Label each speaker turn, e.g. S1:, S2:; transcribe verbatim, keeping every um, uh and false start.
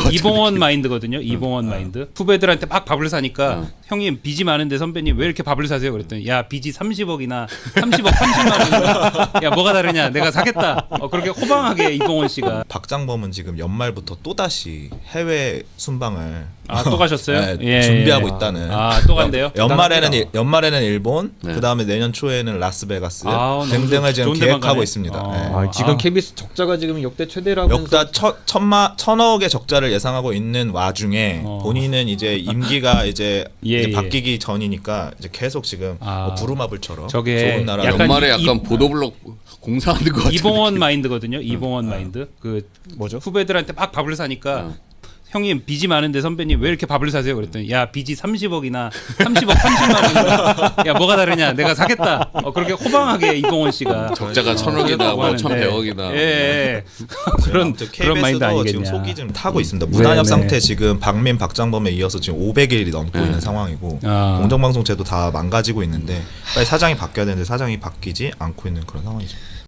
S1: 같은
S2: 이봉원
S1: 느낌.
S2: 마인드거든요. 이봉원
S1: 어.
S2: 마인드. 후배들한테 막 밥을 사니까
S1: 어.
S2: 형님 빚이 많은데 선배님 왜 이렇게 밥을 사세요? 그랬더니 야 빚이 삼십억이나 삼십억 삼십만 원이야. 야 뭐가 다르냐? 내가 사겠다. 어, 그렇게 호방하게 이봉원 씨가.
S3: 박장범은 지금 연말부터 또 다시 해외 순방을
S2: 아 또 가셨어요?
S3: 네,
S2: 예,
S3: 준비하고
S2: 예.
S3: 있다는.
S2: 아 또 간대요?
S3: 연말에는 일, 연말에는 일본,
S1: 네.
S3: 그 다음에 내년 초에는 라스베가스
S2: 아, 너무
S3: 등등을
S2: 좋-
S3: 지금
S2: 좋은 데만
S3: 계획하고
S2: 가네.
S3: 있습니다.
S2: 어.
S3: 네.
S4: 아, 지금
S2: 아.
S4: 케이비에스 적자가 지금 역대 최대라고.
S3: 역다 천, 천마 천억의 적자를 예상하고 있는 와중에
S2: 어.
S3: 본인은 이제 임기가 이제,
S2: 예,
S3: 이제
S2: 예.
S3: 바뀌기 전이니까 이제 계속 지금
S2: 아.
S3: 뭐 부루마블처럼
S2: 저게
S3: 좋은 나라
S2: 약간
S1: 연말에
S2: 이-
S1: 약간
S2: 이-
S1: 보도블록 공사하는 것 같은
S2: 이봉원
S1: 느낌.
S2: 마인드거든요. 이봉원 마인드. 그
S4: 뭐죠?
S2: 후배들한테 막 밥을 사니까
S1: 어.
S2: 형님 빚이 많은데 선배님 왜 이렇게 밥을 사세요? 그랬더니 야 빚이 삼십억이나 삼십억 삼십만 원이야. 야 뭐가 다르냐? 내가 사겠다. 어, 그렇게 호방하게 이봉원 씨가
S1: 적자가 천억이나 뭐
S2: 하는데.
S1: 천백억이나.
S2: 예, 예. 그런 그런 마인드
S3: 케이비에스도
S2: 아니겠냐.
S3: 지금 속이 좀 타고 있습니다. 무단협
S4: 네,
S3: 상태
S4: 네.
S3: 지금 박민, 박장범에 이어서 지금 오백 일이 넘고
S1: 네.
S3: 있는 상황이고
S2: 아.
S3: 공정방송제도 다 망가지고 있는데 빨리 사장이 바뀌어야 되는데 사장이 바뀌지 않고 있는 그런 상황이죠.